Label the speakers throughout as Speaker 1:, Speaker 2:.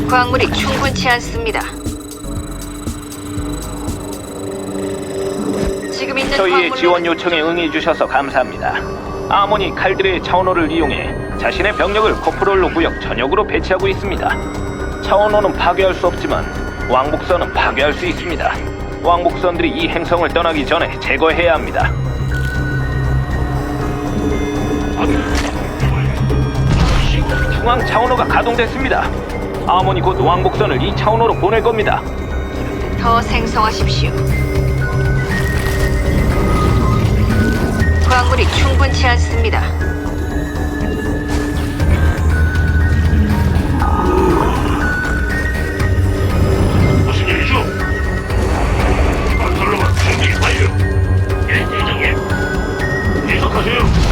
Speaker 1: 광물이 충분치 않습니다. 지금 있는
Speaker 2: 저희의
Speaker 1: 광물로는
Speaker 2: 지원 요청에 응해 주셔서 감사합니다. 아모니 칼드레의 차원호를 이용해 자신의 병력을 코프롤로 구역 전역으로 배치하고 있습니다. 차원호는 파괴할 수 없지만 왕복선은 파괴할 수 있습니다. 왕복선들이 이 행성을 떠나기 전에 제거해야 합니다. 중앙 차원호가 가동됐습니다. 아모니 곧 왕복선을 이 차원호로 보낼 겁니다.
Speaker 1: 더 생성하십시오. 광물이 충분치 않습니다.
Speaker 3: 무슨 일이죠? 건설로만 준비 완료. 예, 대장님. 계속하세요.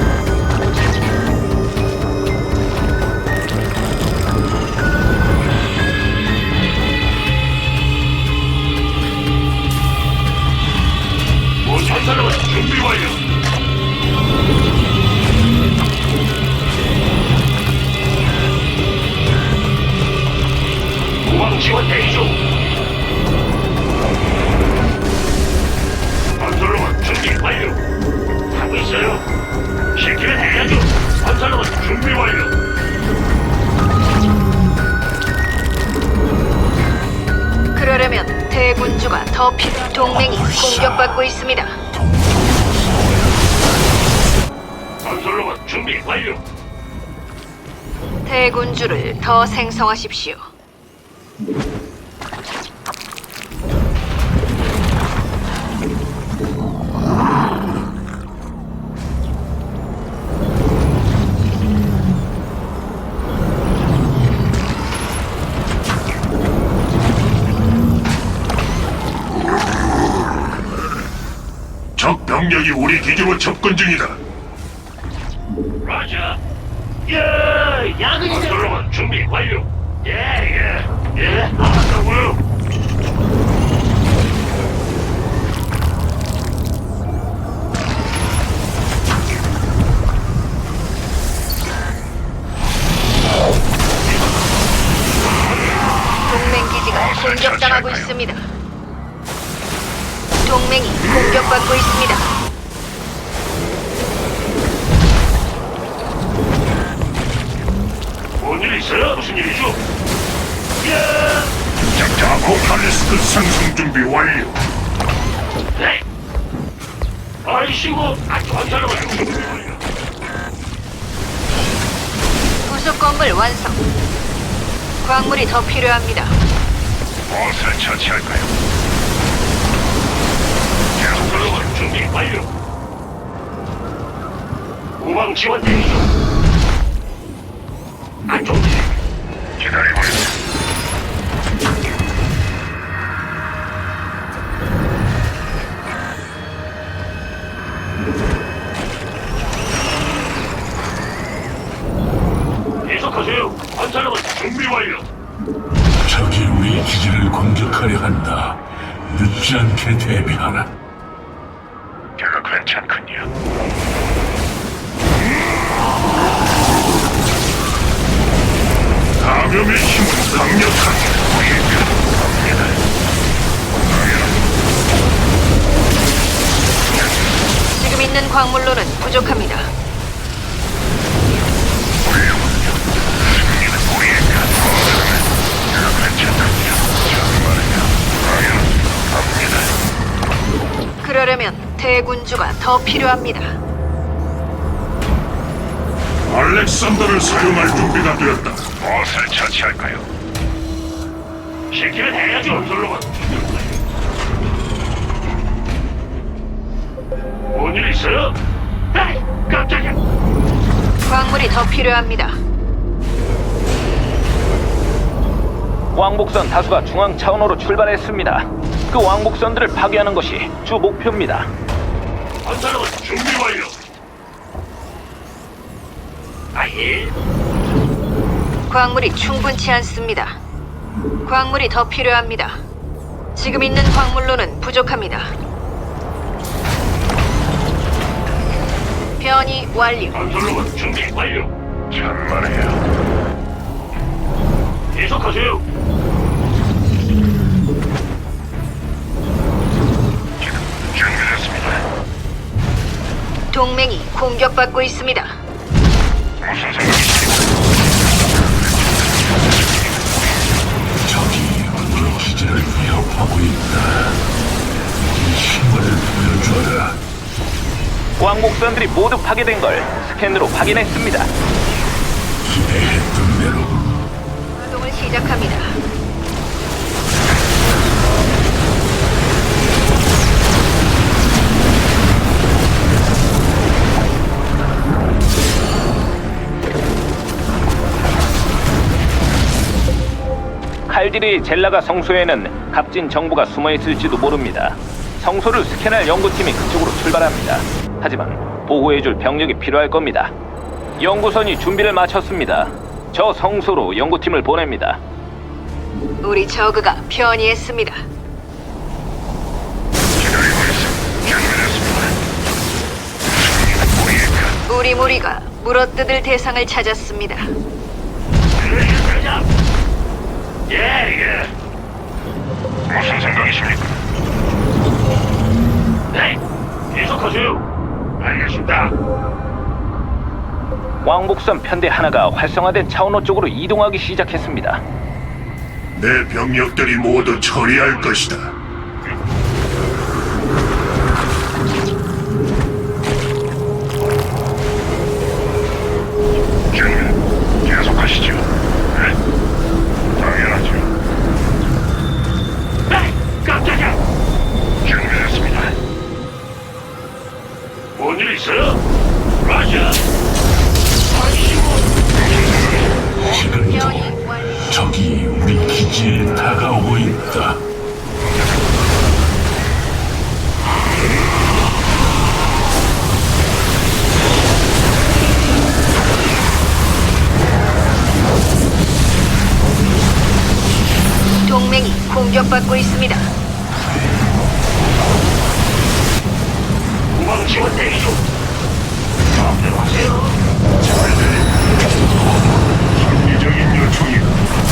Speaker 3: 건설로만 준비 완료. 우방 지원 대기 중. 건설로만 준비 완료. 하고 있어요. 시키면 해야죠. 건설로만 준비 완료.
Speaker 1: 그러려면 대군주가 더 필요. 동맹이 공격받고 있습니다.
Speaker 3: 건설로만 준비 완료.
Speaker 1: 대군주를 더 생성하십시오.
Speaker 3: 적 병력이 우리 기지로 접근 중이다. 라자. 예, 야근이 건설로만 준비 완료. 예. 알았다고요.
Speaker 1: 동맹 기지가 공격당하고 있습니다. 동맹이 공격받고 있습니다.
Speaker 3: 뭔일 있어요? 무슨 일이죠? 예. 자, 포칼리스크 상승 준비 완료. 네. 아이씨고, 건설로만 준비 완료.
Speaker 1: 부속 건물 완성. 광물이 더 필요합니다.
Speaker 3: 무엇을 처치할까요? 건설로만 준비 완료. 우방 지원 대기 중. 안 좋지. 기다리고 있어. 계속하세요. 건설로만 준비 완료.
Speaker 4: 적이 우리 기지를 공격하려 한다. 늦지 않게 대비하라.
Speaker 3: 제가 괜찮군요. 감염의 힘은 강력하게 보입니다.
Speaker 1: 지금 있는 광물로는 부족합니다. 그러려면 대군주가 더 필요합니다.
Speaker 3: 알렉산더를 사용할 준비가 되었다. 무엇을 처치할까요? 시키면 해야죠. 건설로만. 뭔일 있어요? 에이, 깜짝이야.
Speaker 1: 광물이 더 필요합니다.
Speaker 2: 왕복선 다수가 중앙 차원호로 출발했습니다. 그 왕복선들을 파괴하는 것이 주 목표입니다.
Speaker 3: 건설로만 준비 완료. 아예.
Speaker 1: 광물이 충분치 않습니다. 광물이 더 필요합니다. 지금 있는 광물로는 부족합니다. 변이 완료.
Speaker 3: 건설로만 준비 완료. 천만에요. 계속 계속하세요. 준비됐습니다.
Speaker 1: 동맹이 공격받고 있습니다.
Speaker 3: 무슨 생각이십니까?
Speaker 4: 적이 우리 기지를 위협하고 있다. 우리 힘을 보여줘라.
Speaker 2: 왕복선들이 모두 파괴된 걸 스캔으로 확인했습니다.
Speaker 4: 기대했던 대로
Speaker 1: 가동을 시작합니다.
Speaker 2: 칼디리 젤라가 성소에는 값진 정보가 숨어 있을지도 모릅니다. 성소를 스캔할 연구팀이 그쪽으로 출발합니다. 하지만 보호해줄 병력이 필요할 겁니다. 연구선이 준비를 마쳤습니다. 저 성소로 연구팀을 보냅니다.
Speaker 1: 우리 저그가 편이했습니다.
Speaker 3: 기다리고 있어. 준비됐습니다. 승리는 우리의
Speaker 1: 우리 무리가 물어뜯을 대상을 찾았습니다.
Speaker 3: 대장. 예. 무슨 생각이십니까? 네, 계속하세요. 알겠습니다.
Speaker 2: 왕복선 편대 하나가 활성화된 차원호 쪽으로 이동하기 시작했습니다.
Speaker 3: 내 병력들이 모두 처리할 것이다. 준비 계속하시죠. 네, 당연하죠. 네, 깜짝이야. 준비됐습니다. 뭔일 있어요? 라자.
Speaker 4: 지금도
Speaker 1: 편이 완료.
Speaker 4: 적이 우리 기지에 다가오고 있다.
Speaker 1: 동맹이 공격받고 있습니다.
Speaker 3: 우방 지원 대기 중. 마음대로 하세요. 합리적인 요청이다.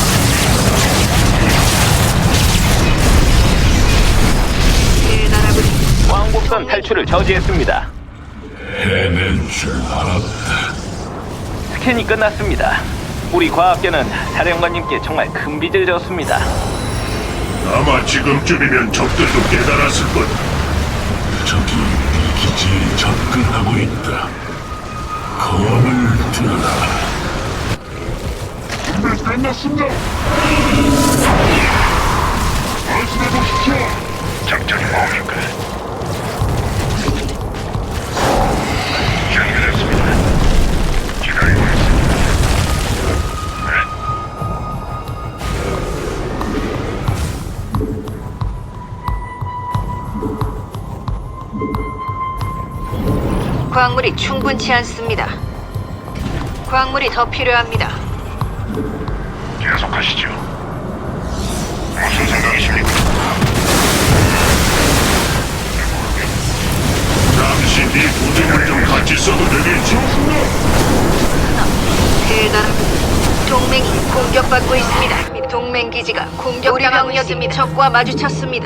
Speaker 1: 대단하군.
Speaker 2: 왕복선 탈출을 저지했습니다.
Speaker 4: 해낼 줄 알았다.
Speaker 2: 스캔이 끝났습니다. 우리 과학계는 사령관님께 정말 큰 빚을 졌습니다.
Speaker 3: 아마 지금쯤이면 적들도 깨달았을 거다.
Speaker 4: 적이 우리 기지에 접근하고 있다. 검을 들어라.
Speaker 3: 준비 끝났습니다. 말씀해 보십시오. 작전이 뭡니까? 준비됐습니다. 기다리고 있습니다.
Speaker 1: 광물이 충분치 않습니다. 광물이 더 필요합니다.
Speaker 3: 계속하시죠. 무슨 생각이십니까? 잠시 네 부대를 좀 같이 써도 되겠지?
Speaker 1: 대단하군. 동맹이 공격받고 있습니다. 동맹 기지가 공격당하고 있습니다. 적과 마주쳤습니다.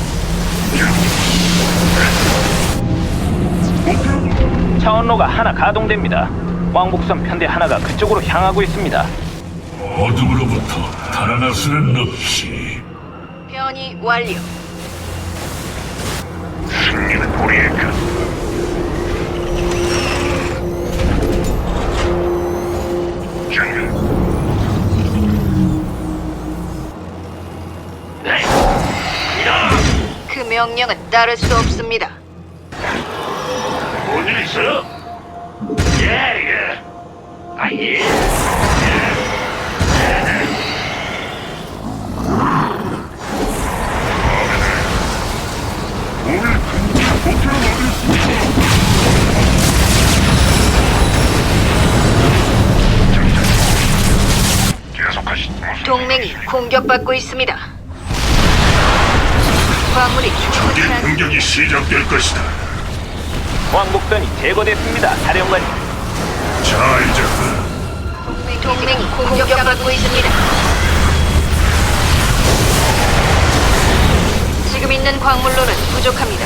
Speaker 2: 차원로가 하나 가동됩니다. 왕복선 편대 하나가 그쪽으로 향하고 있습니다.
Speaker 4: 어둠으로부터 달아날 수는 없지.
Speaker 1: 변이 완료.
Speaker 3: 승리는 우리의 것. 준비. 네. 야,
Speaker 1: 그 명령은 따를 수 없습니다.
Speaker 3: 뭔일 있어요? 예. 아, 예. 계속하시죠.
Speaker 1: 동맹이 공격받고 있습니다. 광물이 충분치
Speaker 3: 적의
Speaker 1: 않습니다.
Speaker 3: 공격이 시작될 것이다.
Speaker 2: 왕복선이 제거됐습니다. 사령관님.
Speaker 3: 자, 이제
Speaker 1: 동맹이 공격받고 있습니다. 지금 있는 광물로는 부족합니다.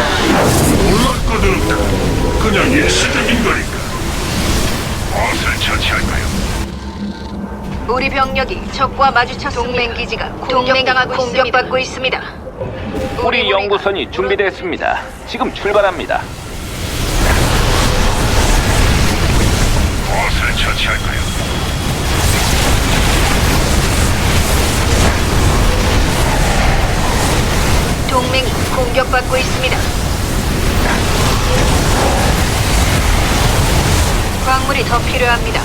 Speaker 3: 몰랐거든. 그냥 일시적인 거니까. 무엇을 처치할까요?
Speaker 1: 우리 병력이 적과 마주쳤습니다. 동맹 기지가 공격받고 있습니다.
Speaker 2: 우리 연구선이 준비됐습니다. 지금 출발합니다.
Speaker 3: 무엇을 처치할까요?
Speaker 1: 동맹이 공격받고 있습니다. 광물이 더 필요합니다.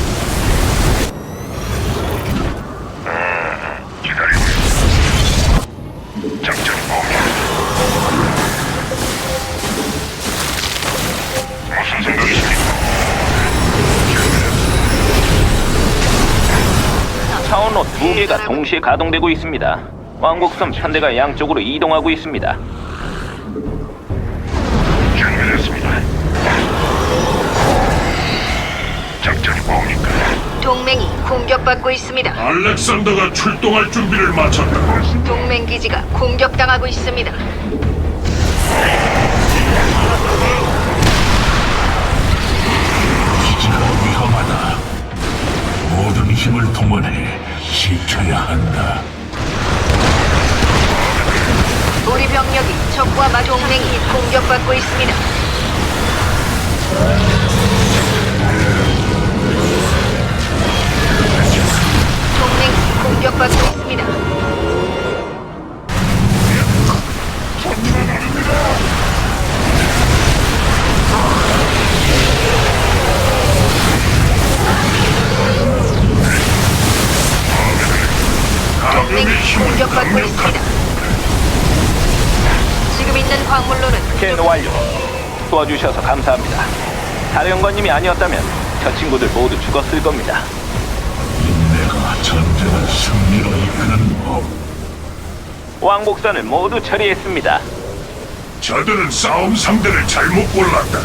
Speaker 3: 기다리고 있어. 작전이 뭡니까? 무슨 생각이십니까?
Speaker 2: 차원로 2개가 동시에 가동되고 있습니다. 왕복선 편대가 양쪽으로 이동하고 있습니다.
Speaker 3: 준비됐습니다. 작전이 뭡니까?
Speaker 1: 동맹이 공격받고 있습니다.
Speaker 3: 알렉산더가 출동할 준비를 마쳤다.
Speaker 1: 동맹 기지가 공격당하고 있습니다.
Speaker 4: 기지가 위험하다. 모든 힘을 동원해 지켜야 한다.
Speaker 1: 우리 병력이 적과 동맹이 공격받고 있습니다. 동맹이 공격받고 있습니다. 동맹이 공격받고 있습니다. 지금 있는 광물로는
Speaker 2: 스캔 완료. 도와주셔서 감사합니다. 사령관님이 아니었다면 저 친구들 모두 죽었을 겁니다.
Speaker 4: 인내가 전쟁을 승리로 이끄는 법.
Speaker 2: 왕복선을 모두 처리했습니다.
Speaker 3: 저들은 싸움 상대를 잘못 골랐다.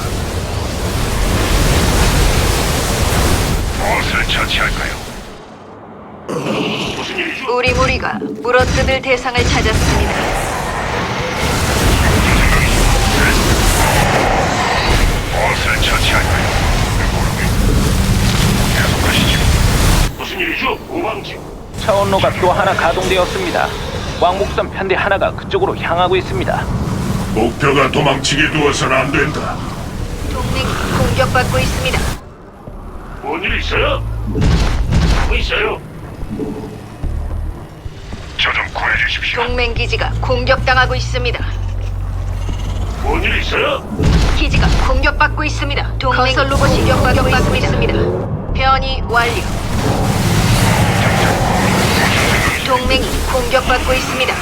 Speaker 3: 무엇을 처치할까요? 무슨 일이죠?
Speaker 1: 우리 무리가 물어뜯을 대상을 찾았습니다.
Speaker 3: 무엇을 처치할까요? 계속하시죠. 무슨 일이죠? 우방지.
Speaker 2: 차원로가 또 하나 가동되었습니다. 왕복선 편대 하나가 그쪽으로 향하고 있습니다.
Speaker 3: 목표가 도망치게 두어서는 안 된다.
Speaker 1: 동맹이 공격받고 있습니다.
Speaker 3: 뭔 일 있어요? 하고 있어요. 저 좀 구해주십시오.
Speaker 1: 동맹 기지가 공격당하고 있습니다.
Speaker 3: 뭔 일 있어요?
Speaker 1: 기지가 공격받고 있습니다. 동맹 건설 로봇이 공격받고 있습니다. 변이 완료. 동맹이 공격받고 있습니다.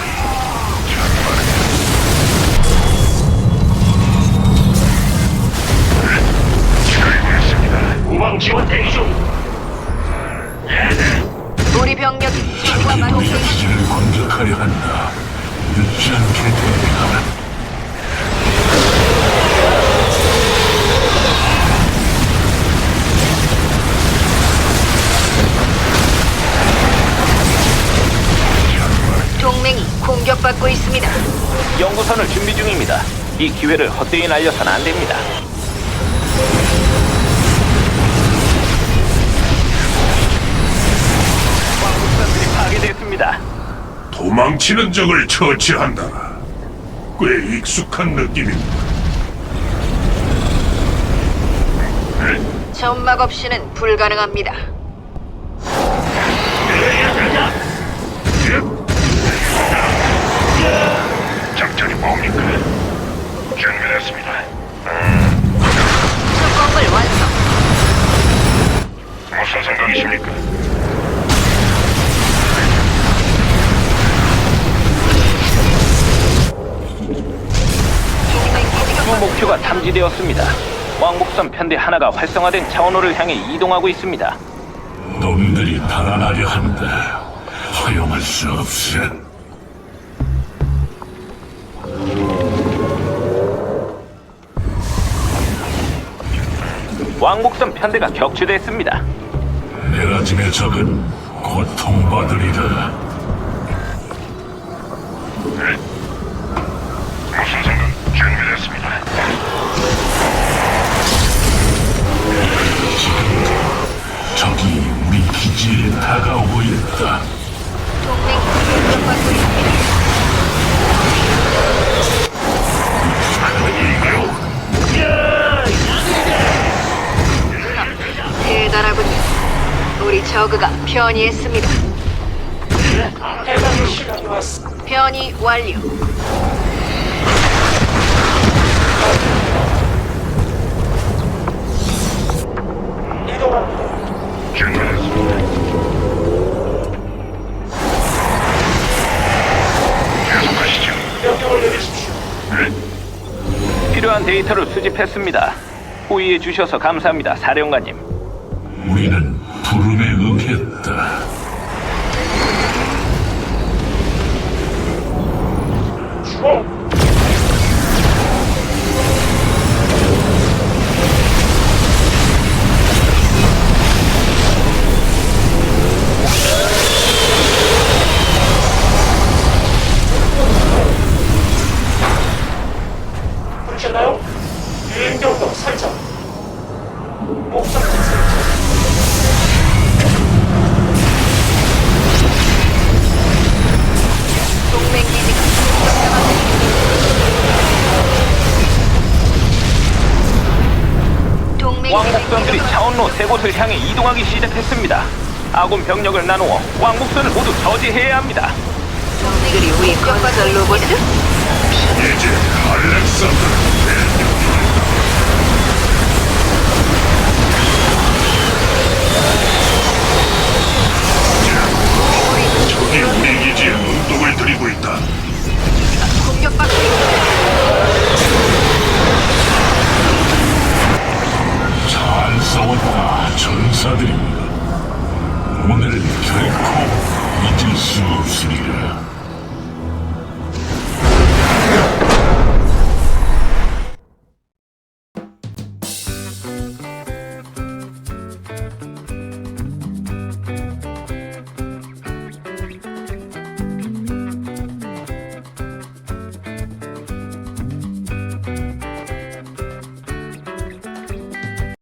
Speaker 3: 기다리고 있습니다. 우방 지원 대기 중.
Speaker 1: 우리 병력이 적과
Speaker 4: 우리
Speaker 1: 동맹
Speaker 4: 기지를 공격하려 한다. 늦지 않게 대비하라.
Speaker 1: 동맹이 공격받고 있습니다.
Speaker 2: 연구선을 준비 중입니다. 이 기회를 헛되이 날려서는 안 됩니다. 왕복선들이 파괴됐습니다.
Speaker 3: 도망치는 적을 처치한다. 꽤 익숙한 느낌입니다.
Speaker 1: 점막 없이는 불가능합니다.
Speaker 3: 작전이 뭡니까? 준비됐습니다.
Speaker 1: 특공을 완성.
Speaker 3: 무슨 생각이십니까?
Speaker 1: 동맹 기지가
Speaker 2: 주 목표가 탐지되었습니다. 왕복선 편대 하나가 활성화된 차원호를 향해 이동하고 있습니다.
Speaker 4: 놈들이 달아나려 한다. 허용할 수 없어.
Speaker 2: 왕복선 편대가 격추됐습니다.
Speaker 4: 내라짐의 적은 고통받으리라. 적이 우리 기지에 다가오고 있다.
Speaker 1: 동맹이 공격받고 있습니다. 대단하군요. 우리 저그가 변이했습니다. 변이 완료.
Speaker 3: 준비됐습니다. 계속하시죠. 명령을 내리십시오. 네.
Speaker 2: 필요한 데이터를 수집했습니다. 호의해 주셔서 감사합니다, 사령관님.
Speaker 4: 우리는 부름에 응했다.
Speaker 3: 부르셨나요? 비행경로 설정. 목적지 설정.
Speaker 1: 동맹 기지가 공격당하고 있습니다. 동맹
Speaker 2: 왕복선들이 차원로 세 곳을 향해 이동하기 시작했습니다. 아군 병력을 나누어 왕복선을 모두 저지해야 합니다.
Speaker 1: 동맹들이 우리 건설 로봇을
Speaker 3: 이제 알렉산더